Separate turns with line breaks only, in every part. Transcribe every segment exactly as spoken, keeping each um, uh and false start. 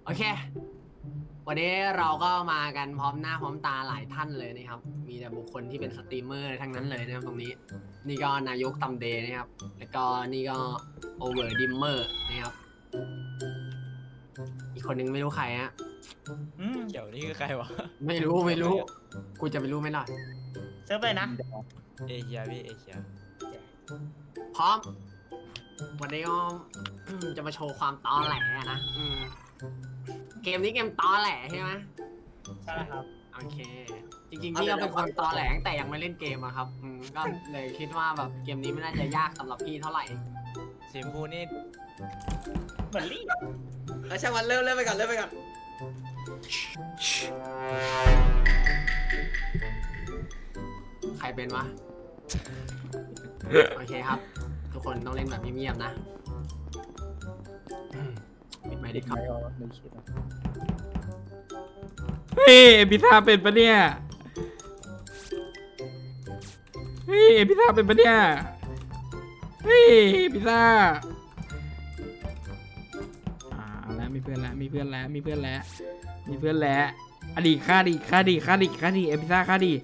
โอเควันนี้เราก็มากันพร้อมหน้าพร้อมตาหลายท่านเลยนะครับมีแต่บุคคลที่เป็นสตรีมเมอร์ทั้งนั้นเลยนะครับตรงนี้นี่ก็นายกตัมเดย์นะครับแล้วก็นี่ก็โอเวอร์ดิมเมอร์นะครับอีกคนนึงไม่รู้ใครฮะ
อืมเดี๋ยวนี่คือใครวะ
ไม่รู้ไม่รู้กูจะไปรู้ไหมล่ะ
เซิร์ฟเลยนะเอเชียพี่เอเชีย
พร้อมวันนี้ก็ จะมาโชว์ความตอแหลนะอืมเกมนี้เกมตอแหลใช่ไหม
ใช่ครับ
โอเคจริงๆพี่ก็เป็นคนตอแหลตั้งแต่ยังไม่เล่นเกมอะครับอืมก็เลยคิดว่าแบบเกมนี้ไม่น่าจะยากสำหรับพี่เท่าไหร่
สีชมพูนี่เหมือนลี่
เอาช่างมันเริ่มเริ่มไปก่อนเริ่มไปก่อน
ใครเป็นวะ โอเคครับ ทุกคนต้องเล่นแบบเงียบๆนะอืมปิดไมค์ดิครับ
เฮ้ยเอพิซซ่าเป็นปะเนี่ยเฮ้ยเอพิซซ่าเป็นปะเนี่ยเฮ้ยเอพิซซ่าอ่าเอาแล้วมีเพื่อนแล้วมีเพื่อนแล้วมีเพื่อนแล้วมีเพื่อนแล้วอดีฆ่าดีฆ่าดีฆ่าดีฆ่าดีเอพิซซ่าฆ่าดี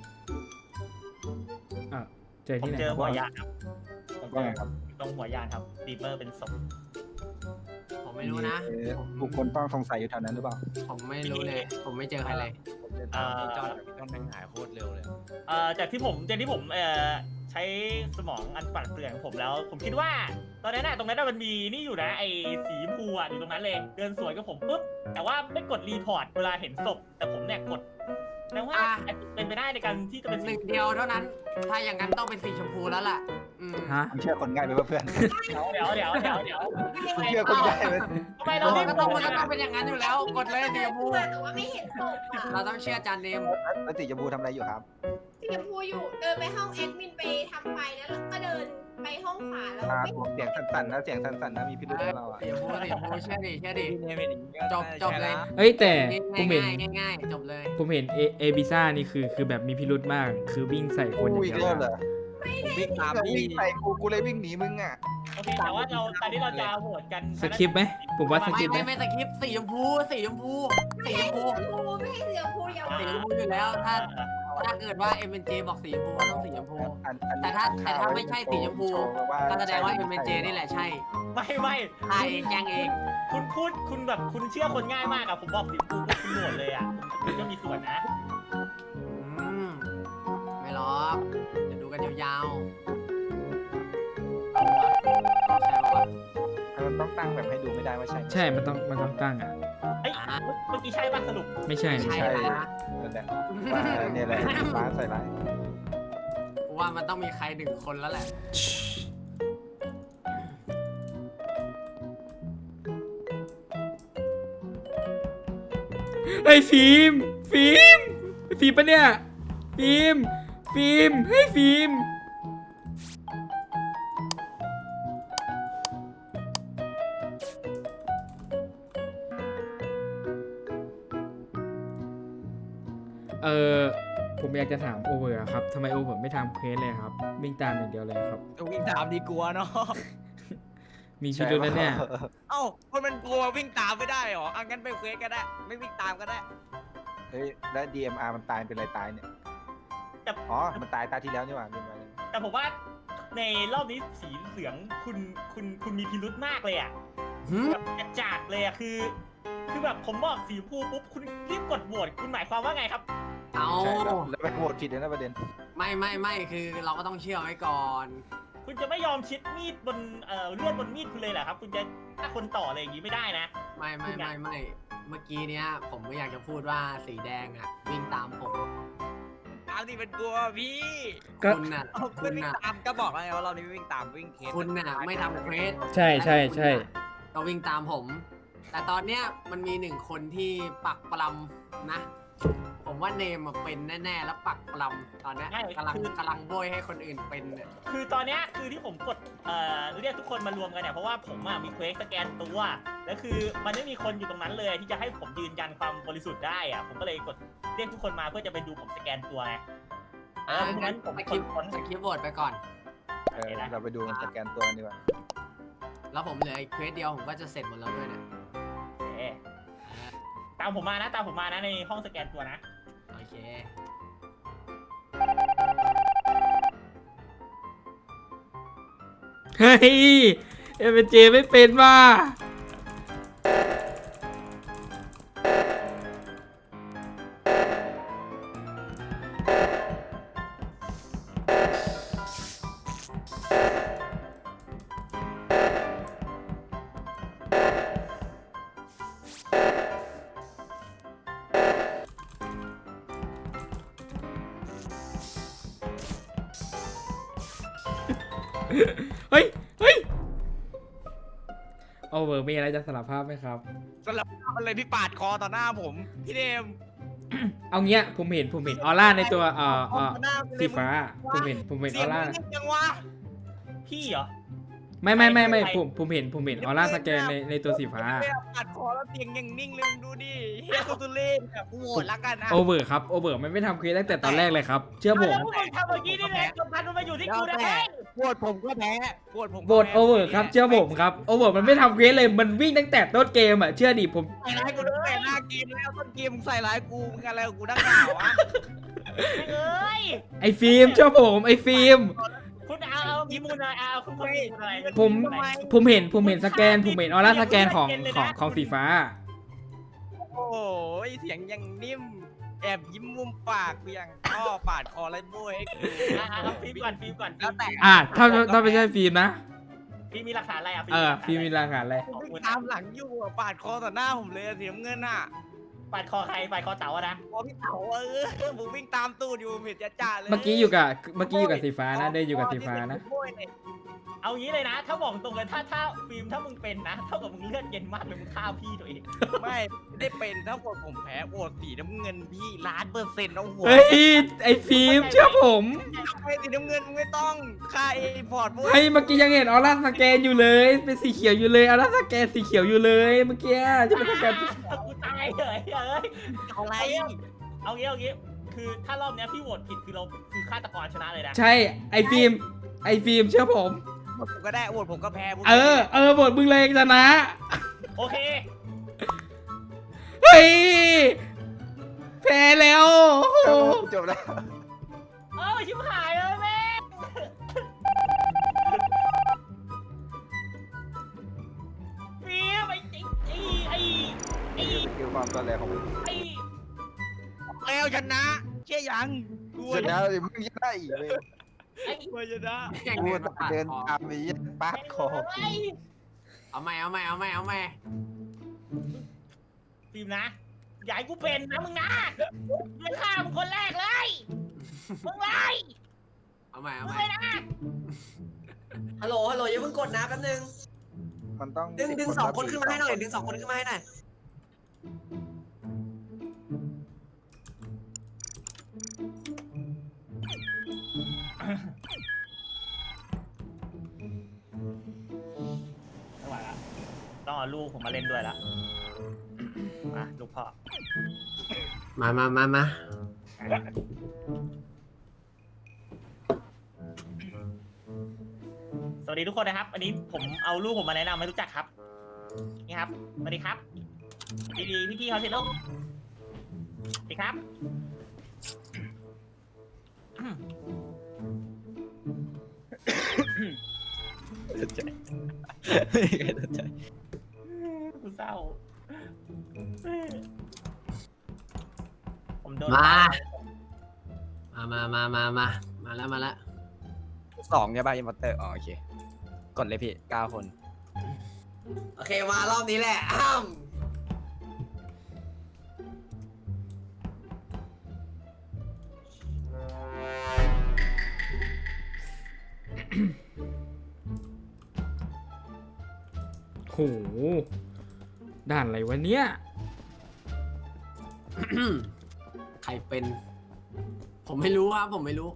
อ่ะเจอ
ผม
ที่ไหน
เจอ
ครับ
หัวยานครับผมเจ
ว่า
อ
ไงครับ
ตรงหัวยานครับดีเมอร์เป็นศพ
ผมไม่รู้นะ
บุคคลต้องสงสัยอยู่แถวนั้นหรือเปล่า
ผมไม่รู้เลย ผมไม่เจอใครเลย
เอ่อ
จอดพี่ต้นแม่งหายโคตรเร็วเลย
เอ่อจากที่ผมจากที่ผมเอ่อใช้สมองอันปั่นเปลืองของผมแล้ว ผมคิดว่า ตอนนั้นน่ะตรงนั้นน่ะมันมีนี่อยู่นะไอ้สีชมพูอ่ะอยู่ตรงนั้นเลย เดินสวนกับผมปุ๊บแต่ว่าไม่กดรีพอร์ตเวลาเห็นศพแต่ผมเนี่ยกดแปลว่า
อ่ะ
เป็นไปได้ในการที่จะเป็น
ห
สี
นึ่งเดียวเท่านั้น ถ้าอย่างนั้นต้องเป็นสีชมพูแล้วล่ะ อืม
ฮะ
ผมเชื่อคนง่ายไปว่าเพื่อน
เดี๋ยวเดี๋ยวเดี๋ยวเดี๋ยว
ผมเชื่อคนง่ายไป
ทำไมเรา
เรา
เล่น
ก็ต้องมันก็ต้องเป็นอย่างนั้นอยู่แล้ว กดเลยสีชมพู
แต่ว่าไม่เห็นศพอ่ะ
เราต้องเชื่อจานเนม
แล้วสีชมพูทำอะไรอยู่ครับ
สีชมพูอยู่เดินไปห้องแอดมินไปทำไฟแล้วก็เดินไปห้องขวาแล้ว
อ่า
ไม่
ผมเสียงสั่นๆนะเสียงสั่นๆนะมีพิรุธนะเราอ่ะ
สีชมพูสีชมพูเชื่อดิเชื่อดิ
พี่เนี่ยเป็นอย่างนี้ก็
จบจบเลย
เอ้ยแต่ผม
ง่าย
เห็น
ง่ายง่ายๆจบเลย
ผมเห็นเอเอพิซซ่านี่คือคือแบบมีพิรุธมาก คือวิ่งใส่คนอย่าง
กูอี
เดี
ก
ยว
เริ่มเหร
อะ
อ
ผมวิ่งตาม
วิ่
พี่
งใส่กูกูเลยวิ่งหนีมึงอ่ะ
โอเคแต่ว่าเราตอนนี้เราจะโหวตกัน
สคริปต์ไหมผมว่าสค
ไม่
ริปต์ไหม
ไม่ไม่สคริปต์สีชมพูสีชมพูสีชมพู
สีชมพูไม่ให้สีชมพูยาว
สีชมพูอยู่แล้วถ้าถ้าเกิดว่า เอ็ม เอ็น เจ บอกสีชมพูก็ต้องสีชมพู
อันอัน
แต่ถ้าแต่ถ้าไม่ใช่สีชมพู ก็แสดงว่า เอ็ม เอ็น เจ นี่แหละใช่
ไม่ไม่
ฆ่าเองแจ้งเอง
คุณพูดคุณแบบคุณเชื่อคนง่ายมากอะผมบอกสีชมพูปุ๊บคุณโหวตเลยอะคุณก็มีส่วนนะ
อืมไม่หรอกจะดูกันยาวๆเอาวะใช่ปะวะ
มันต้องตั้งแบบให้ดูไม่ได้ว่าใช่
ใช่มันต้องมันต้องตั้งอ่ะ
เอ้ยเมื่อกี้ใช่ป่ะสรุป
ไม่ใช่
ไม่
ไม่
ใช่
ใช่
นะ
นั่นแหละว่าเนี่ยแหละร้านใส่ร้าย
กูว่ามันต้องมีใครหนึ่งคนแล้วแหละ
เฮ้ยฟิล์มฟิล์มฟิล์มปะเนี่ยฟิล์มฟิล์มเฮ้ยฟิล์มเออผมอยากจะถามโอเวอร์ครับทำไมโอเวอร์ไม่ทำเควสเลยครับวิ่งตามอย่างเดียวเลยครับ
ก็วิ่งตามดีกลัวเนาะ
มีพิรุธแล้วเนี่ย
เอ้าคนมันกลัววิ่งตามไม่ได้หรออ่ะงั้นไปเควสก็ได้ ไม่วิ่งตามก็ได้
เฮ้ยแล้ว ดี เอ็ม อาร์ มันตายเป็นอะไรตายเนี่ย
แต่
อ๋อมันตายตาที่แล้วนี่หว่าลืมไปเลย
แต่ผมว่าในรอบนี้สีเหลืองคุณคุณคุณมีพิรุธมากเลยอะ
หืม
แบบกระจากเลยอะคือ คือแบบผมบอกสีชมพูปุ๊บคุณรีบกดโหวตคุณหมายความว่าไงครับ
เอา
ใช่แล้วแล้วไปโหวตผิดเลยนะประเด็น
ไม่ไม่ไม่คือเราก็ต้องเชื่อไว้ก่อน
คุณจะไม่ยอมชิดมีดบนเอ่อเลือดบนมีดคุณเลยเหรอครับ คุณจะฆ่าคนต่ออะไรอย่างนี้ไม่ได้นะ
ไม่ไม่ไม่ไม่เมื่อกี้เนี้ยผมก็อยากจะพูดว่าสีแดงอ่ะ วิ่งตามผม
ตามที่เป็นกลัวพี่
ก็
คุณน่ะ
เอา
คุ
ไม่
ณ
วิ่ง
น่ะ
ตามก็บอกแล้วไงว่าเรานี่ไม่วิ่งตามวิ่งเคส
คุณน่ะไม่ทำเควส
ใช่ใช่ใช่
ก็วิ่งตามผม แต่ตอนเนี้ยมันมีหนึ่งคนที่ปักปลำนะ ผมว่าเนมอะเป็นแน่ๆแล้วปักปลำตอนเนี้ย
ใช่
กำลัง
คือ
กำลังโบยให้คนอื่นเป็นเนี่ย
คือตอนเนี้ยคือที่ผมกดเอ่อเรียกทุกคนมารวมกันเนี่ยเพราะว่าผมอะมีเควสสแกนตัวแล้วคือมันไม่มีคนอยู่ตรงนั้นเลยที่จะให้ผมยืนยันความบริสุทธิ์ได้อะผมก็เลยกดเรียกทุกคนมาเพื่อจะไปดูผมสแกนตัวไงเออเพราะฉะนั้นผม
ส
ก
กิ
ด
ป
ผล
สกิปโหวตไปก่อน
เออเราไปดูมันสแกนตัวกันดีกว่า
แล้วผมเหลืออีกเควสเดียวผมก็จะเสร็จหมดแล้วด้วยเนี่ย
เอ๊ะตามผมมานะตามผมมานะในห้องสแกนตัวนะ
โอเค
เฮ้ยเอ็มเจไม่เป็นว่ะเฮ้ยเฮ้ยโอเวอร์มีอะไรจะสารภาพไหมครับ
สลับอะไรพี่ปาดคอต่อหน้าผมพี่เดม
เอาเงี้ยผมเห็นผมเห็นออร่าในตัวเอ่อเอ่อ
ต่อหน้าไปเลย
สีฟ้าผมเห็นผมเห็นอ
เสีย
องร่า
มึงยังวะ
พี่เหรอ
ไม่ไม่ไม่ไม่
ใคร
ผมผมเห็นผมเห็นออร่าสแกนในในตัวสีฟ้า
ไม่ปาดคอแล้วเตียงยังนิ่งเลยมึงดูดิเฮียตุตุเล่นแบบกูโหวตละกันนะ
โอเวอร์ครับโอเวอร์มันไม่ทำเควสตั้งแต่ตอนแรกเลยครับ เชื่อผม
แล้วพวกมึงทำเมื่อกี้นี่แหละกำพันมันมาอยู่ที่กูนะ
แล้วแต่
เฮ้ย
โหวตผมก็แพ้โหวตผมก็
โหวต
แพ้
โอเวอร์ครับเชื่อผมครับโอเวอร์มันไม่ทำเควสเลยมันวิ่งตั้งแต่ต้นเกมอ่ะเชื่อดิผม
ใส่ร้ายกูตั้งแต่หน้าเกมแล้วต้นเกมมึงใส่ร้ายกูมึงอะไรกับกูนักหนาวะ
เอ้ย
ไอ้ฟิล์มเชื่อผมไอ้ฟิล์ม
คุณเอาเอามีมูลอะไรเอาคุณคนมีมูลอะไร
ผมผมเห็นผมเห็นสแกนผมเห็นออร่าสแกนของของของสีฟ้า
โอ้ยเสียงยังนิ่มแอบยิ้มมุมปากกูยังอ้อปาดคอไรโบ้ให้กู
อ่ะอ่ะเอาฟิล์มก่อนฟิล์มก่อน
แล้วแต่
อ่ะถ้าถ้าไม่ใช่ฟิล์มนะ
ฟิล์มมีหลักฐานอะไรอ่ะ
เออฟิล์มมีรายงานอะไร
ผมวิ่งตามหลังอยู่อะปาดคอต่อหน้าผมเลยอะสีน้ำเงินอ่ะ
ปาดคอใครปาดคอเต๋าอะนะ
พอพี่เต๋าเออผมวิ่งตามตูดอยู่ผมเห็นจ่าๆเลย
เมื่อกี้อยู่กับเมื่อกี้อยู่กับสีฟ้านะได้อยู่กับสีฟ้านะ
โอ้ยเนี่ย
เอางี้เลยนะ ถ้าบอกตรงเลยถ้าถ้าฟิล์มถ้ามึงเป็นนะเท่ากับมึงเลือดเย็นมากเลยมึงฆ่าพี่ตัวเอง
ไม่ไม่ได้เป็นถ้าโหวตผมแพ้โหวตสีน้ำเงินพี่ล้านเปอร์เซ็นต์ต้องโหวต
เฮ้ยไอ้ฟิล์มเชื่อผม
ไอ้สีน้ำเงินมึงไม่ต้องค่าเอพอร์ตโว้ย
เฮ้ยเมื่อกี้ยังเห็นออร่าสแกนอยู่เลยเป็นสีเขียวอยู่เลยออร่าสแกนสีเขียวอยู่เลยเมื่อกี้จะเป็นสแกน
กูตายเลยเอ้ย
อะไร
เอางี้เอางี้คือถ้ารอบเนี้ยพี่โหวตผิดคือเราคือฆาตกรชนะเลยนะ
ใช่ไอ้ฟิล์มไอ้ฟิล์มเชื่อผม
โหวตผมก็ได้โหวตผมก็แพ้
เออเออบทมึงเลยชนะ
โอเค
เฮ้ยแพ้แล้วโอ้โห
จบแล้ว
เอ้าชิบหายเลยแม่งฟิล์มไอ้ไอ้ไอ้ไอ้
เกี่ยวความตอนแรกของมึง
ไอ้
แล้วชนะเชื่อยังกู
ชนะเลยมึงยังได้อีกเลย
ไอ้
กูชนะ
กูเดินตามไปยันปาดคอ
ไอ้
เอาใหม่เอาใหม่เอาใหม่เอาใหม่
ฟิล์มนะอย่าให้กูเป็นนะมึงนะมึงฆ่ามึงคนแรกเลยมึงเลย
เอาใหม่เอา
มึง
ใหม่
เลยนะ
ฮัลโหล ฮัลโหลอย่าเพิ่งกดนะแป๊บนึง
มันต้อง
ดึงดึงสองคนขึ้นมาให้หน่อย ดึงสองคนขึ้นมาให้หน่อย
ไม่ไหวละต้องเอาลูกผมมาเล่นด้วยละมาลูกพ่อ
มามามามา
สวัสดีทุกคนนะครับ อันนี้ผมเอาลูกผมมาแนะนำให้รู้จักครับ นี่ครับ สวัสดีครับดีดีพี่พี่ๆเขาเสร็จลูกสวัสดีครับ กูเศร้า ผมโดน
มามามามามามาแล้วมาแล้ว
สองใช่ป่ะอินพัตเตอร์อ๋อโอเคกดเลยพี่เก้าคน
โอเค มารอบนี้แหละ อ้าม
โหด่านอะไรวะเนี่ย
ใครเป็น ผมไม่รู้ครับผมไม่รู้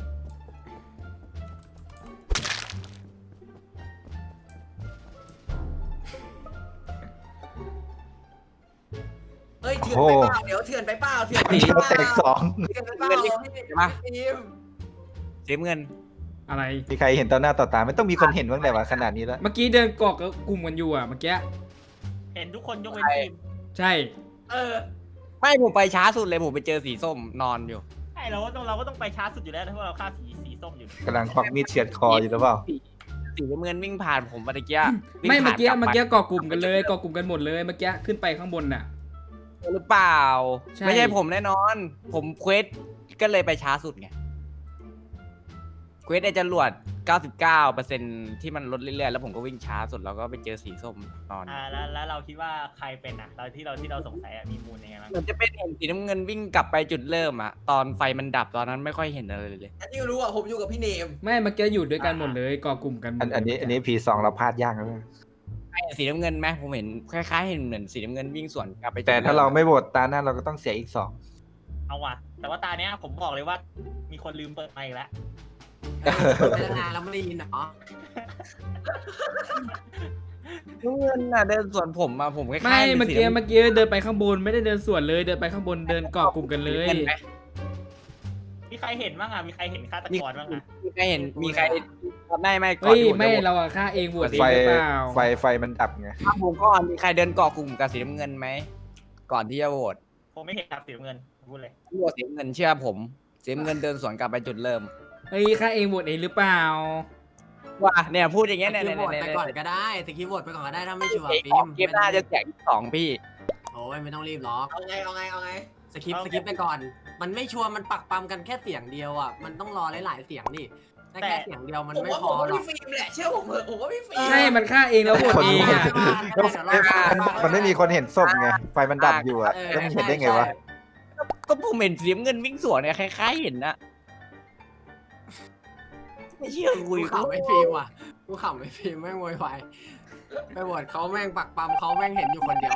เฮ้ย เถื่อนไปเปล่า เดี๋ยวเถื่อนไปเปล่า เถื่อนไป
เดียว
เปล่า
แตกสอง
เถื่อนไปเปล่าพี่ทีม
เสียเงิน
อะไร
มีใครเห็นต่อหน้าต่อตาไม่ต้องมีคนเห็นบ้างแต่ว่าขนาดนี้แล้ว
เมื่อกี้เดินเกาะกับกลุ่มกันอยู่อ่ะเมื่อกี้
เห็นทุกคนยกเว้นฟิล์ม
ใช่
เออ
ไม่ผมไปช้าสุดเลยผมไปเจอสีส้มนอนอยู่
ใช่เราก็ต้องเราก็ต้องไปช้าสุดอยู่แล้วเพราะเราฆ่าสีสีส้มอยู่
กำลังควักมีดเฉือดคออยู่หรือเปล่า
สีน้ำเงินวิ่งผ่านผมเมื่อกี้วิ่ง
ไม่เมื่อกี้
ผ่าน
เมื่อกี้
ลับ
ก่อกลุ่มกันเลยก่อกลุ่มกันหมดเลยเมื่อกี้ขึ้นไปข้างบนน่ะ
ไปหรือเปล่า
ใช่
ไม่ใช่ผมแน่นอน ผมเควสก็เลยไปช้าสุดไงเควสไอ้จรวด เก้าสิบเก้าเปอร์เซ็นต์ ที่มันลดเรื่อยๆแล้วผมก็วิ่งช้าสุดแล้วก็ไปเจอสีส้มนอน
อ่าแล้วแล้วเราคิดว่าใครเป็นอ่ะเราที่เราที่เราสงสัยอ่ะมีมูลยังไงบ้าง
เหมือนจะเป็นเห็นสีน้ำเงินวิ่งกลับไปจุดเริ่มอะตอนไฟมันดับตอนนั้นไม่ค่อยเห็นอะไรเลย
อันที่รู้อ่ะผมอยู่กับพี่เนม
ไม่เมื่อกี้อยู่ด้วยกันหมดเลยก่อกลุ่มกันหมด
อันอันนี้อันนี้พีสองเราพลาดยากนะ
ไอ้สีน้ำเงินไหมผมเห็นคล้ายๆเห็นเหมือนสีน้ำเงินวิ่งสวนกลับไปจุด
แต่ถ้าเรา
ม
ไม่โหวตตาหน้าเราก็ต้องเสียอีกสอง
เอาว่ะแต่ว่าตาเนี้ยผมบอกเลยว่ามีคนลืมเปิดไมค์อีกแล้ว
ไปตั้งนานแล้วไม่ได้ยินเหรอ
น้ำเงินน่ะเดินสวนผมมาผมคล้ายๆ
ไม่
ป็น
เมื่อ
สี
กี้
น้ำ
เมื่อกี้เดินไปข้างบนไม่ได้เดินสวนเลยเดินไปข้างบนเดินก่อกลุ่มกันเลย
งินไหม
มีใครเห็นบ้างอ่ะมีใครเห็นฆาตกรบ้างอ่ะ
มีใครเห็นมีใครไม่ไม่ก่อน
เฮ้ย
ที่ผ
ไม่
จะโหวต
เราอะฆ่าเองบวชเอง
ไฟ
หรือเปล่า
ไฟไฟมันดับไง
ถ้าผมก่อนมีใครเดินเกาะกลุ่มกับสีน้ำเงินไหมก่อนที่จะโหวต
ผมไม่เห็นครับสีน้ำเงินพูดเลย
โหวตสีน้ำเงินเชื่อผมสีน้ำเงินเดินสวนกลับไปจุดเริ่ม
เฮ้ยฆ่าเองบวชเองหรือเปล่า
ว่าเนี่ยพูดอย่าง
ส
เงี้ยเนี่ย
กิป
เนี่ย
โหวต
เนี่ย
ไป
เนี่ย
ก่อนก็ได้สกิปโหวตไปก่อนก็ได้ถ้าไม่ชัวร์
เก
ฟิล์ม
มหน้าจะแจกอีกสองพี่
โอ้ยไม่ต้องรีบหรอก
เอาไงเอาไงเอาไง
สกิปสกิปไปก่อน มันไม่ชัวร์มันปักปั๊มกันแค่เสียงเดียวอ่ะมันต้องรอหลายๆเสียงดิแต่แค่เสียงเดียวมัน
ผม
ไม่
ว่า
พ
ผ
อ
มว่า
หรอก
พี่ฟิล์มแหละเชื่อผมเถอะผมว่าพี่ฟิล์ม
ใช่ มันฆ่าเองแล้วบวชเองอะ
ก็ไฟมันไม่มีคนเห็นศพไง ไฟมันดับอยู่อ่ะแล้วมันเห็นได้ไงวะ
ก็ผมเห็นสีน้ำเงินวิ่งสวนเนี่ยคล้ายๆเห็นนะไม่เชื่อคุย
กูขำไม่ฟิล์มว่ะกูขำไม่ฟิล์มแม่งโวยวายไปโหวตเขาแม่งปักปั๊มเขาแม่งเห็นอยู่คนเดียว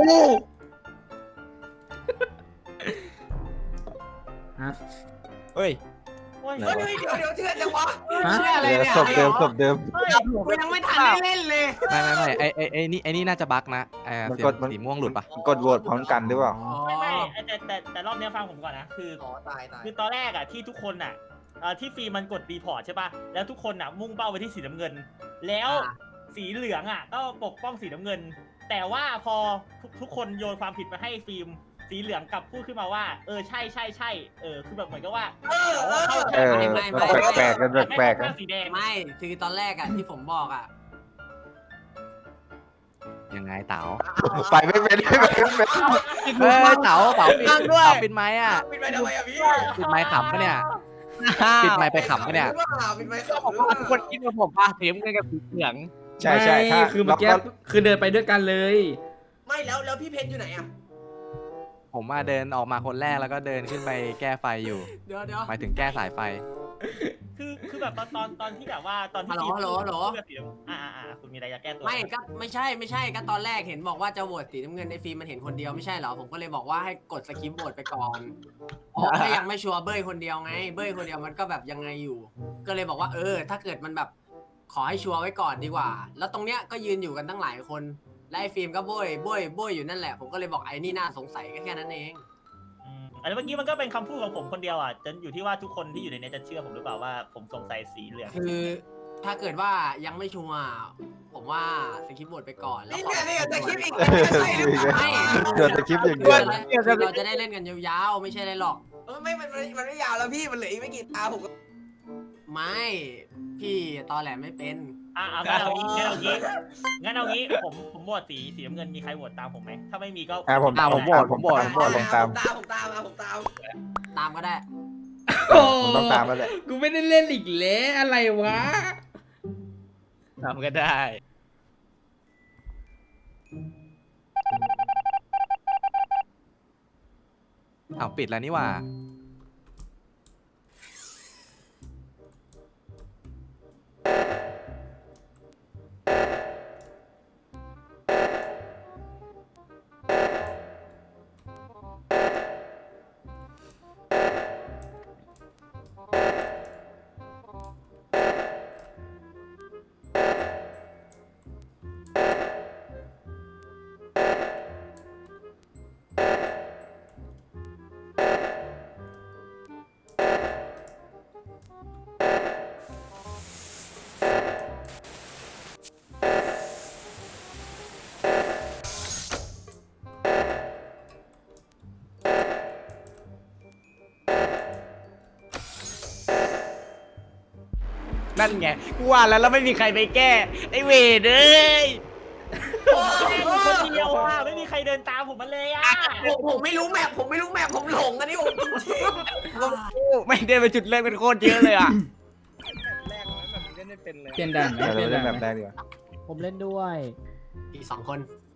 ฮะ
เฮ้ย
โอ้ย
เฮ้ยเดี๋ยวเดี๋ยวเชื่อจังวะ
ฮะ
เชื่ออะไร
เดี๋ยว
เนี่ย
ศพเดิมศพเดิม
เฮ้ย
กูยังไม่ทันได้เล่นเลย
ไม่ไม่ไม่ไอไอไอนี่ไอนี่น่าจะบั๊กนะไอ
มัน
เสีย
ก
ง
ดมัน
สีม่วงหลุดปะ
กดโหวตพร้อมกันหรือเปล่า
อ๋อ
ไม่ไม่แต่แต่แต่รอบเนี้ยฟังผมก่อนนะคือ
อ๋อตายตาย
คือตอนแรกอ่ะที่ทุกคนอ่ะเอ่อที่ฟีมันกดรีพอร์ตใช่ป่ะแล้วทุกคนอ่ะมุ่งเป้าไปที่สีน้ำเงิน แล้วสีเหลืองอ่ะก็ปกป้องสีน้ำเงิน แต่ว่าพอทุกทุกคนโยนความผิดมาให้ฟิล์มสีเหลืองกลับพูดขึ้นมาว่าเออใช่ใช่ใช่เออคือแบบเหมือนกับว่า
เออเออ
เออมันแปลกๆกันแปลกๆ
ไม่
นะ
เข้าข้างสีแดง
ไม่คือตอนแรกอ่ะที่ผมบอกอ่ะ
ยังไงเต๋า
ไฟไม่เป็นไม่เป็นไม่เป็น
เฮ้ยเต๋าเต๋าปิด
นั่งด้วย
เต๋าปิดไม้อ่ะ
ปิดไมค์ทำไมอะพี่
ปิดไม้ขำปะเนี่ยปิดไม้ไปขำปะเนี่ย
หรือเปล่าปิดไมค์ขับ
ผมว่าทุกคนคิดว่าผมป่ะสีน้ำเงินกับสีเหลือง
ใช่ใช่ถ้า
ไม่คือเมื่อกี้
เราก็
คือเดินไปด้วยกันเลย
ไม่แล้วแล้วพี่เพชรอยู่ไหนอะ
ผมมาเดินออกมาคนแรกแล้วก็เดินขึ้นไปแก้ไฟอยู่
เดี๋ยวเดี๋ยว
หมายถึงแก้สายไฟ
คือคือแบบตอนตอนตอนที่แบบว่าตอนที่
ฮัลโหลฮัลโหลฮัลโหล
พูดกับสีน้ำอ่าอ่าอ่าคุณมีอะไรจะแก้ตัว
ไม่ก็ไม่ใช่ไม่ใช่ก็ตอนแรกเห็นบอกว่าจะโหวตสีน้ำเงินในฟิล์มมันเห็นคนเดียวไม่ใช่เหรอผมก็เลยบอกว่าให้กดสกิปโหวตไปก่อนเพราะถ้ายังไม่ชัวร์เบ้ยคนเดียวไง เบ้ยคนเดียวมันก็แบบยังไงอยู่ ก็เลยบอกว่าเออ ถ้าเกิดมันแบบขอให้ชัวร์ไว้ก่อนดีกว่า แล้วตรงเนี้ยก็ยืนอยู่กันตั้งหลายคนและไอ้ฟิล์มก็โบยโบยโบยอยู่นั่นแหละผมก็เลยบอกไอ้นี่น่าสงสัยก็แค่นั้นเอง
อืมอันนี้เมื่อกี้มันก็เป็นคำพูดของผมคนเดียวอ่ะจะอยู่ที่ว่าทุกคนที่อยู่ในนี้จะเชื่อผมหรือเปล่าว่าผมสงสัยสีเหลือง
คือถ้าเกิดว่ายังไม่ชัวร์ผมว่าสกิปโหวตไปก่อนแล้ว
นี่
ขอ
ไงนี่ไงแต่คลิปอีก
เออ
ใช่หรือเปล่า
ไม่
เกิดแต่คลิปอย่างเดียว
คือเราจะได้เล่นกันยาวๆไม่ใช่อะไรหรอก
เออไม่มันมันมันไม่ยาวแล้วพี่มันเหลืออีกไม่กี่ตาผมก็
ไม่พี่ตอแหลไม่เป็น
อ่ะเอางั้นเอางี้งั้นเอางี้งั้นเอางี้ผมผมโหวตสีสีน้ำเงินมีใครโหวตตามผมไหมถ้าไม่มีก็
อ่ะผม
อ่ะผมโหวตผมโหวต
ผมโหวตลงตาม
ผมตามผมตามอ่ะผมตาม
ตามก็ได้
ผมต้องตามแล้วแหละ
กูไม่ได้เล่นอีกแล้วอะไรวะ
ทำก็ได้
อ้าวปิดแล้วนี่หว่า
นั่นไงกูว่าแล้วแล้วไม่มีใครไปแก้ไอ้เวรเอ้ย
แค่คนเดียวอ่ะไม่มีใครเดินตามผมมาเลยอ่ะ
ผมผมไม่รู้แมพผมไม่รู้แมพผมหลงอันนี้ผมจริง
ไม่ได้ไปจุดเริ่มเป็นโคตรเยอะเลยอ่ะ
เปลี่ยนด่านไหม
เรา
เปลี่ยน
เล่
ด่าน น
แบบ
ไห
แร
ม
กดีกว่า
ผมเล่นด้วย
อีกสองคน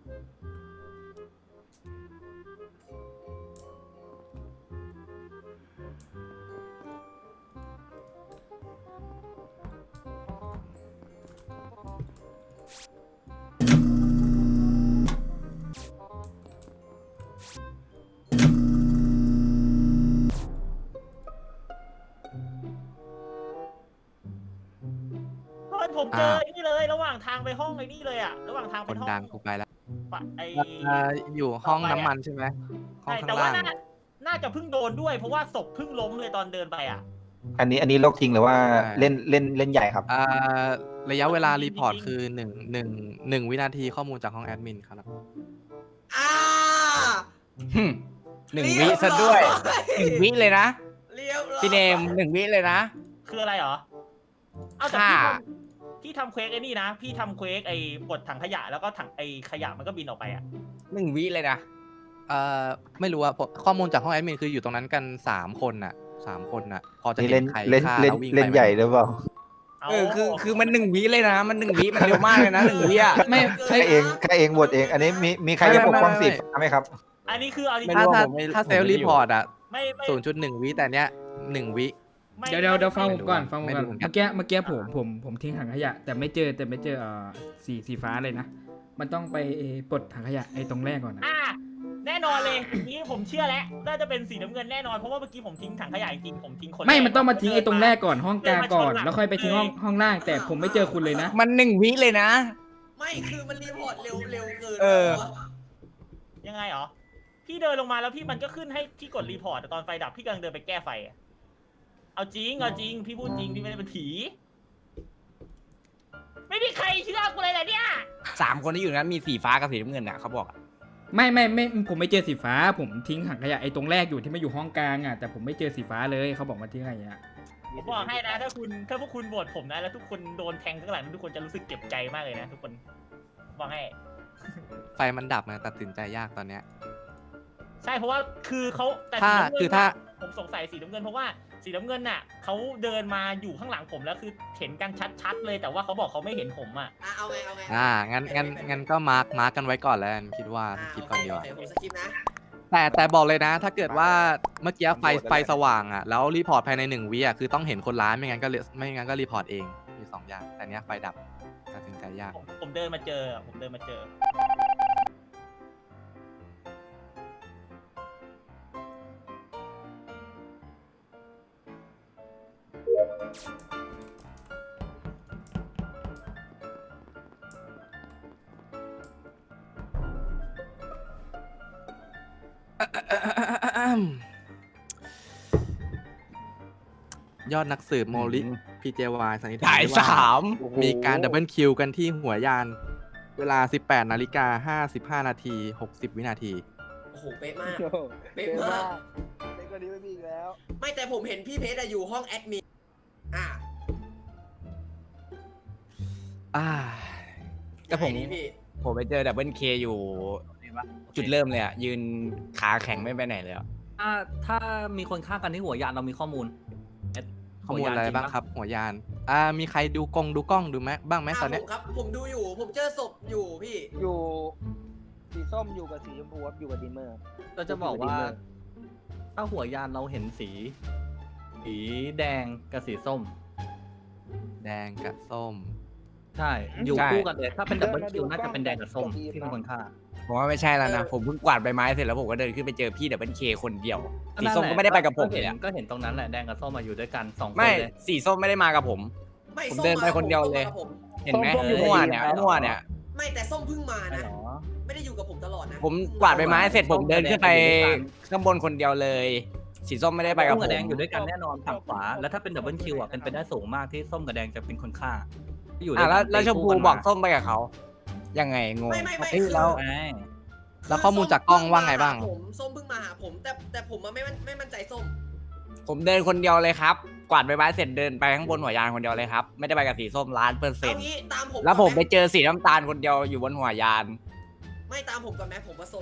ตอนผมเจอไอ้นี่เลย ระหว่างทางไปห้องไอ้นี่เลยอ่ะระหว่างทาง
ค
ไป
น
ห้อง
ดังกูไปแล้ว
ปะไอ้
อ่าอยู่ห้องน้ำมันใช่ไหมห้อง
ใช่
ข้า
แต่
ง
ว่า
ล่าง
น่าน่าจะเพิ่งโดนด้วย เพราะว่าศพเพิ่งล้มเลยตอนเดินไปอ่ะ
อันนี้อันนี้โลกจริงหรือว่าเล่นเล่นเล่นใหญ่ครับ
อ่าระยะเวลารีพอร์ต
จริงๆ
คือหนึ่งหนึ่งหนึ่งวินาทีข้อมูลจากห้องแอดมินครับ
ๆอ่า
หึ่มหนึ่งวิซะด้วยหนึ่งวิเลยนะ
เรียบร้อย
พี่เนมหนึ่งวิเลยนะ
คืออะไรเหรอ เอาแต่
ค่ะ
พี่ทำพี่ทำเควกไอ้นี่นะ พี่ทำเควกไอ้ปลดถังขยะแล้วก็ถังไอ้ขยะมันก็บินออกไปอ่ะ
หนึ่งวิเลยนะ
เอ่อไม่รู้อะผมข้อมูลจากห้องแอดมินคืออยู่ตรงนั้นกันสามคนน่ะสามคนน่ะ พอจะ
นี่
เห็
เล่น
นใคร
เล่น
ฆ่า
เล่น
แล้ววิ่ง
เล่น
ไป
ใหญ่หรือเปล่า
า
เออคือคือมันหนึ่งวิเลยนะ มันหนึ่งวิมันเร็วมากเลยนะหนึ่งวิอ่ะ
ไม่
ใครเองใครเองบทเอง อันนี้มีมีใครจะปกป้องสิทธิ์ไหมครับ
อันนี้คือเอาจริง
ไม่
ถ้า
รู้
ถ้า
ผมไม่
ถ้า
ผม
เซลล์
ไม่ได้
รี
อยู่
พอร์ตอะ
ไม่ไม่
ศูนย์จุดหนึ่งวิแต่เนี้ยหนึ่งวิ
ไม่
เดี๋ยวเดี๋ยวเดี๋ยวฟัง
ไม่
ผม
รู้
ก่อน
อะ
ฟังผม
ไม่
ก่อน
รู้เหมือนกัน
เมื่อกี้เมื่อกี้ผมผมผมทิ้งถังขยะ แต่ไม่เจอแต่ไม่เจอเอ่อสีสีฟ้าเลยนะ มันต้องไปปลดถังขยะไอ้ตรงแรกก่อนนะ
อ่าแน่นอนเลยนี้ผมเชื่อแล้วน่าจะเป็นสีน้ำเงินแน่นอนเพราะว่าเมื่อกี้ผมทิ้งถังขยะจริงๆผมทิ้งคน
ไม่
แรก
มันต้องมาทิ้งไอ้ตรงแรกก่อนห้องกลางก่อน
เดินมาชนหลัง
แล้วค่อยไปทิ้งห้อง
เลย
ห้องล่าง แต่ผมไม่เจอคุณเลยนะ
มันหนึ่งวิเลยนะ
ไม่คือมันรีพอร์ตเร็วเร็วเกิน
เออ
ยังไงเหรอพี่เดินลงมาแล้วพี่มันก็ขึ้นให้พี่กดรีพอร์ตแต่ตอนไฟดับพี่กำลังเดินไปแก้ไฟอะเอาจริงเอาจริงพี่พูดจริงพี่ไม่ได้เป็นผี ไม่มีใครเชื่อกูเลยเหรอเนี่ย
สามคนที่อยู่นั้นมีสีฟ้ากับสีน้ำเงินอ่ะเขาบอกอะ
ไม่ไม่ไม่ผมไม่เจอสีฟ้า ผมทิ้งถังขยะไอ้ตรงแรกอยู่ที่ไม่อยู่ห้องกลางอ่ะ แต่ผมไม่เจอสีฟ้าเลยเขาบอกมาทิ้งอะไรอ่ะ
ผมบอกให้นะถ้าคุณถ้าพวกคุณโหวตผมนะแล้วทุกคนโดนแทงข้างหลังทุกคนจะรู้สึกเจ็บใจมากเลยนะทุกคนบอกให้
ไฟมันดับนะตัดสินใจยากตอนเนี้ย
ใช่เพราะว่าคือเขาแต่
ถ้า
สีน้ำเงิน
คือถ้า
น่ะผมสงสัยสีน้ำเงินเพราะว่าสีน้ำเงินน่ะเขาเดินมาอยู่ข้างหลังผมแล้วคือเห็นกันชัดๆเลยแต่ว่าเขาบอกเขาไม่เห็นผมอ่ะ
อ่ะเอาไงเอาไง
อ่างั้นงั้นงั้นก็มาร์กมาร์กกันไว้ก่อนแล้วกันคิดว่า
อ่า
คิด
โอ
ก่อน
เค
ดีก
โอ
ว่า
เคผมสกิปนะ
แต่แต่บอกเลยนะ ถ้าเกิดว่าเมื่อกี้ไฟ
โหวตได้
ไฟสว่างอ่ะแล้วรีพอร์ตภายในหนึ่งวิอ่ะคือต้องเห็นคนร้ายไม่งั้นก็เลไม่งั้นก็รีพอร์ตเองมีสองอย่างแต่เนี้ยไฟดับตัดสินใจยาก
ผมผมเดินมาเจอผมเดินมาเจอ
ยอดนักสืบโมลิพีเจวายสันนิษฐาน
ถ่าย
ได้ว่า
สาม
มีการดับเบิลคิวกันที่หัวยาน เวลา สิบแปดนาฬิกาห้าสิบห้านาทีหกสิบวินาที
โอ้โหเป๊ะมากเป๊ะมาก
เล็กกว่านี้ไม่มีอีกแล้ว
ไม่แต่ผมเห็นพี่เพชรอะอยู่ห้องแอดมินอ่ะ
อ่า
แต่ผม
ยังไงดีพี่
ผมไปเจอดับเบิลเคอยู่จุดเริ่มเลยอ่ะ ยืนขาแข็งไม่ไปไหนเลยอ่ะ
ถ้าถ้ามีคนฆ่ากันที่หัวยานเรามีข้อมูลเอ็ด
ข้อมูลอะไร
หัวยานจริง
บ้าง
ปะ
ครับ หัวยาน อ่า มีใครดูกงดูกล้องดูไหมบ้างไหม
อ่ะ
ตอนเนี้
ผ
ย
มครับ ผมดูอยู่ ผมเจอศพอยู่พี่
อยู่สีส้มอยู่กับสีชมพูครับอยู่กับดิมเมอร์
เราจะบอกว่า ถ้าหัวยานเราเห็นสี สีแดงกับสีส้ม
แดงกับส้ม
ใช่ อยู่
ใช่
คู่กันเลย ถ้าเป็นดับเบิลคิวน่าจะเป็นแดงกับส้มที่เป็นคนฆ่า
ผมว่าไม่ใช่แล้วนะ
เออ
ผมเพิ่งกวาดใบไม้เสร็จแล้วผมก็เดินขึ้นไปเจอพี่ดับเบิลเคคนเดียว สี
นั่น
ส้ม
แหละ
ก็ไม่ได้ไปกับผม
เห็
เลย
น
อะ
ก็เห็นตรงนั้นแหละแดงกับส้มมาอยู่ด้วยกันสองคน
ไม่
เลย
สีส้มไม่ได้มากับผม
ไม่
ผม
ส้
เดินไปคนเดียวเลย
ส้มมากับผม
เห็นไหม
ส้มอยู่
มั่ว
กับ
เนี่ย
ทีม
มั่วเนี่ย
ไม่แต่ส้มเพิ่งมา
ใช่
นะ
เหรอ
ไม่ได้อยู่กับผมตลอดนะ
ผมกวาดใบไม้เสร็จผมเดินขึ้นไปข้างบนคนเดียวเลย สีส้มไม่ได้ไปกับ
ส้ม
ผ
กับ
ม
แดงอยู่ด้วยกันแน่นอนฝั่งขวา แล้วถ้าเป็นดับเบิลคิวอ่ะเป็นไปได้สูงมากที่ส้มกับแดงจะเป็นคนฆ่าอยู่ด้
อ่ะ
วย
แล้ว
กัน
แล้วชมพู
ตีคู่น
บอกส้มไปกับเขา ยังไงงง
ไม่ไม่ไม่
เอ้ย
คือ
แล้ว
ใช่
แล้วข้อมูลจากกล้องว่าไงบ้าง
ผมส้มเพิ่งมาหาผมแต่แต่ผมอะไม่มั่นไม่มั่นใจส้ม
ผมเดินคนเดียวเลยครับ กวาดใบไม้เสร็จเดินไปข้างบนหัวยานคนเดียวเลยครับ ไม่ได้ไปกับสีส้มล้านเปอร์เซ็น
เอา
ต์
งี้ตามผม
แล้วผมไป
ก่อนห
เจอสีน้ำตาลคนเดียวอยู่บนหัวยาน
ไม่ตามผมก่อนไหมผมผสม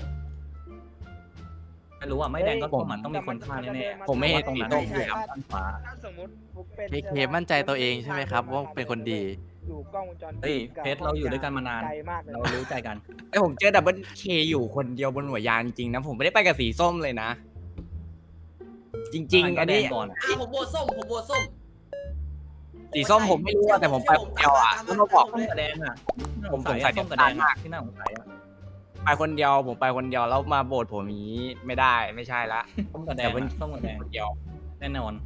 ไม่รู้อ่ะไม่แดงก็
ผม
ส้มมันต้องมีคนฆ่าแน่ๆ
ผมไม่เห็น
ตรงนั้น
สีส้ม
ใช่
เลยครับ
ด้านขวา
ถ้าสมมติฟุกเป็น
เคเคมั่นใจตัวเองใช่ไหมครับว่าเป็นคนดี
อยู่กล้องวงจรปิด
เฮ้ยเพชรเราอยู่ด้วยกันมานาน
ไกลมากเลย
เรารู้ใจกัน
ไอผมเจอดับเบิลเคอยู่คนเดียวบนหัวยานจริงๆนะ ผมไม่ได้ไปกับสีส้มเลยนะ จริง ๆ อันนี้
ก็แดงก่อน
อ่ะผมโหวตส้มผมโหวตส้ม
สีส้มผมไม่รู้อะแต่ผมไปคนเดียวอะ
ตาม
แล้ว
มา
มาบอก
ตาม
ส้ม
มา
กับแดงอ่ะ
ผมสงสัย
ส้มกับแดง
มาก
ที่น่าสงสัยอ่ะ
ไปคนเดียวผมไปคนเดียวแล้วมาโบดผมอย่างนี้ไม่ได้ไม่ใช่ละ
ส้มกับแดง
แต่มัน
อะส้มกับแดง
คนเดียว
แน่นอน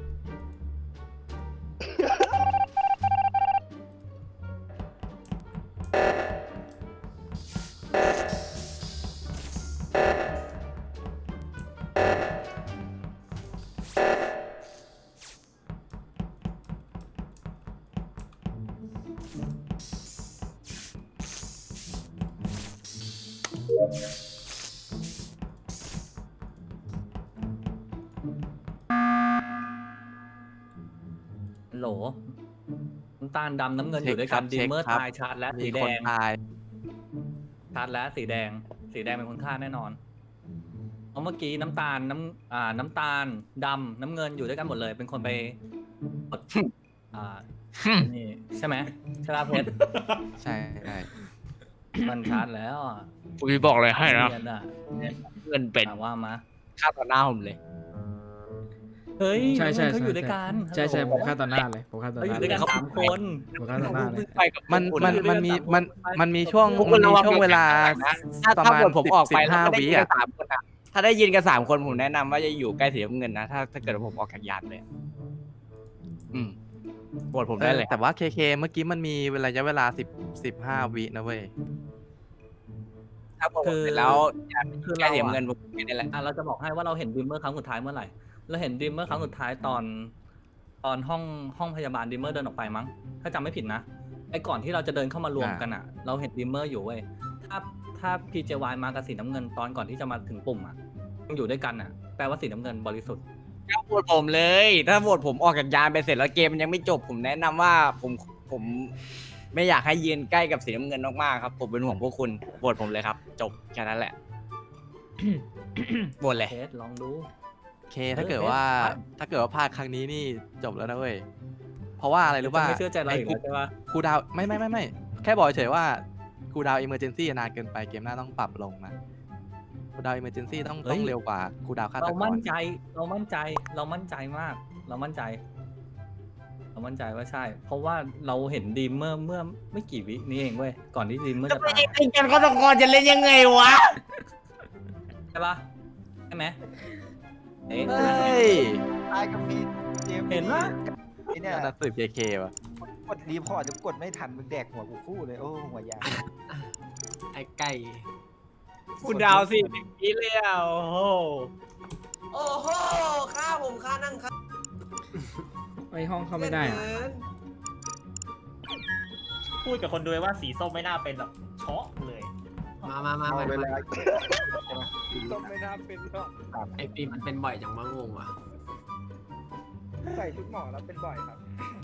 โหลน้ำตาลดำน้ำเงินอยู่ด้วยกัน
เช็
ดิ
คครับ
มเมอร์
เช็คครับ
ตายชาร์จและ
มี
สีแด
คน
ง
ตาย
ชาร์จและสีแดง สีแดงเป็นคนฆ่าแน่นอนเพราะเมื่อกี้น้ำตาลน้ำอ่าน้ำตาลดำน้ำเงินอยู่ด้วยกันหมดเลย เป็นคนไปกดอ่านี่ใช่ไหมใช่ป่ะเพชร
ใช่ใช่
มันชาร์จแล้วอ่ะ
ผมบอกเลยให้นะ
เรียนอ่ะ
เงินเป็น
ถามว่ามา
ค่าต่อหน้าผมเลย
เฮ้ย
ใช่ใช่
เขา
ใช่
อยู่ด้วยกัน
ใช่ใช่
ฮัลโหล
ผมฆ่าต่อหน้าเลยผมฆ่าต่อ
เขา
ห
อยู่
น้า
ด้วยกัน
เลย
สามคน
ผมฆ่าต่อหน้าเลย
ไปกับ
มัน
พวก
มัน
คุณ
มันมีมันมันมีช่วง
พวกคุ
มัน
ณระ
มี
วัง
ช่วงเวลา
ถ้า
ประ
ถ้า
มาณ
เกิดผมออกไป
สิบ
แล้ว
ห้า
ไม่ได้
วิ
ยินกั
อ่ะ
นสามคนอะถ้าได้ยินกันสามคนผมแนะนำว่าจะอยู่ใกล้สีน้ำเงินนะ ถ้าถ้าเกิดว่าผมออกจากยานเลยอะอืมโบดผมได้เลย
แต่ว่าเคเคเมื่อกี้มันมีระยะเวลาสิบสิบห้าวินะเว้ย
ถ้าโบดผมเสร็จแล้วยาน
คือ
ใกล้
เรา
สี
อะ
น้ำเงินผมไม่ได้แหละ
อ่ะเราจะบอกให้ว่าเราเห็นดิมเมอร์ครั้งสุดท้ายเมื่อไหร่ เราเห็นดิมเมอร์ครั้งสุดท้ายตอน ตอนห้องห้องพยาบาลดิมเมอร์เดินออกไปมั้ง ถ้าจำไม่ผิดนะ ไอ้ก่อนที่เราจะเดินเข้ามารวมกันอ่ะ เราเห็นดิมเมอร์อยู่เว้ย ถ้าถ้า พี เจ วาย มากับสีน้ำเงินตอนก่อนที่จะมาถึงปุ่มอ่ะยังอยู่ด้วยกันอ่ะ แปลว่าสีน้ำเงินบริสุทธิ์
ถ้าโบดผมเลย ถ้าโบดผมออกจากยานไปเสร็จแล้วเกมมันยังไม่จบ ผมแนะนำว่าผมผมไม่อยากให้ยืนใกล้กับสีน้ำเงินมากๆครับ ผมเป็นห่วงพวกคุณโบดผมเลยครับ จบแค่นั้นแหละ โบดเลย
เทสลองดู
เคถ้าเกิด
เออ
ว่า
เออ
ถ้าเกิดว่าพลาดครั้งนี้นี่จบแล้วนะเว้ย เพราะว่าอะไรรู้ป่ะ
ไม่เชื่อใจเราอีก
ไอ้
แล้วใช่ปะ
ครูดาวไม่ไม่ไม่ไม่แค่บอกเฉยว่าครูดาวอิมเมอร์เจนซี่นานเกินไปเกมหน้าต้องปรับลงนะครูดาวอิมเมอร์เจนซี่ต้องต้องเร็วกว่าครูดาวฆาต
เรา
ก
มั่
ร
นใจ เรามั่นใจ เรามั่นใจมาก เรามั่นใจ เรามั่นใจว่าใช่ เพราะว่าเราเห็นดีมเมอร์เมื่อไม่กี่วินี้เองเว้ย ก่อนที่ดีมเมอร์
จะ
จะ
ไป
ตาย
เล่นกันก็ต้องจะเล่นยังไงวะ
ใช่ปะใช่ไหมเอ๊ะ
เฮ้ย
ตายกับฟีดเจมส์
เห็นปะ
ไอ้เนี่ย
นักสืบเคเคว่ะ
กดรีพอร์ตจะกดไม่ทันมึงแดกหัวกูคู่เลยโอ้หัวยา
ไอ้ไก่
คุณดาวสิบปีแล้วโอ้โห
โอ้โหฆ่าผมฆ่านั่งฆ่า
ไอห้องเข้าไม่ได้อะ
เกิน
พูดกับคนดูว่าสีส้มไม่น่าเป็นหรอกช็อกเลย
มามามา
เอา
มา
เวลา
ต้มไม่น่าเป็นหรอก
ไอ้ปีมันเป็นบ่อยจังมางงว่ะ
ใส่ชุดหมอแล้วเป็นบ่อยครับ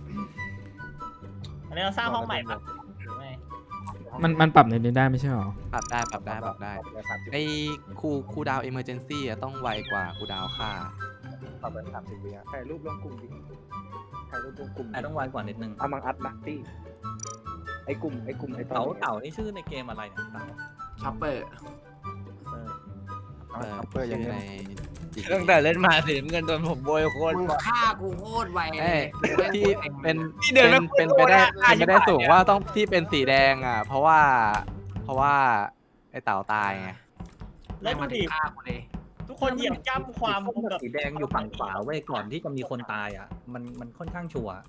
อันนี้เราสร้างห้องใหม่ปะหรือไม่
มันมันปรับในนี้ได้ไม่ใช่หรอ
ปรับได้ปรับได้ปรับได้ไอ้ครูครูดาวอิมเมอร์เจนซี่ต้องไวกว่าครูดาวฆ่า
ปรับเป็นสามสิบวิอะถ่ายรูปลงกลุ่มดิถ่ายรูปลงกลุ่ม
แต่ต้องไวกว่านิดนึง
อามังอัดนะตี้ไอ้กลุ่มไอ้กลุ่มไอ้ตอน
เต่า
นี้
เต่านี่ชื่อในเกมอะไรเนี่ยเต่า
ช็อปเปอร์
เออ
เออ
เปิดอย่าง
ชื่อ
เงี้
ใน
ย
จี
ตั้งแต่เล่นมาสีน้ำเงินโดนผมโบยโคตร
มึง
บ่อย
ฆ่ากูโคตรไวเล
เอ้ย
ย
ที่เป็น
ที่เดิน
เป็น
ไม่
เป็นไปได้
โดนอะ
เป็นไปได้สูงว่าต้องที่เป็นสีแดงอ่ะ เพราะว่า เพราะว่าไอ้เต่าตายไง
แล้วดูดิ
ฆ่ากูเลย
ทุกคนเหยียบย่ำความ
สีส้ม
แบ
กับบ สีแดงอยู่ฝั่งขวาเว้ยก่อนที่จะมีคนตายอ่ะ มันมันค่อนข้างชัวร์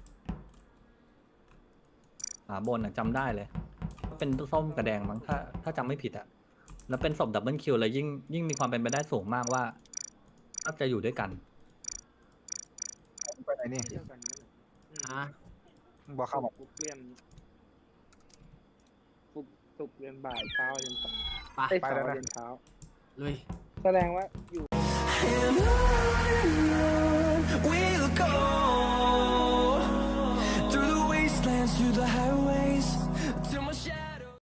ขวาบนอ่ะจำได้เลย เป็นส้มกับแดงมั้งถ้าถ้าจำไม่ผิดอ่ะ แล้วเป็นศพดับเบิลคิวเลยยิ่งยิ่งมีความเป็นไปได้สูงมากว่าน่าจะอยู่ด้วยกัน
ไปไหนนี่
เที่ยวกันนี่
ฮะ
มึงบอกเข้ามา
ฟุกเรียนฟุกสุกเรียนบ่ายเช้าเรียน
ไป
เอ้ยเช้าเรียนเช้า
ลุย
แสดงว่าอยู่
ว to the highway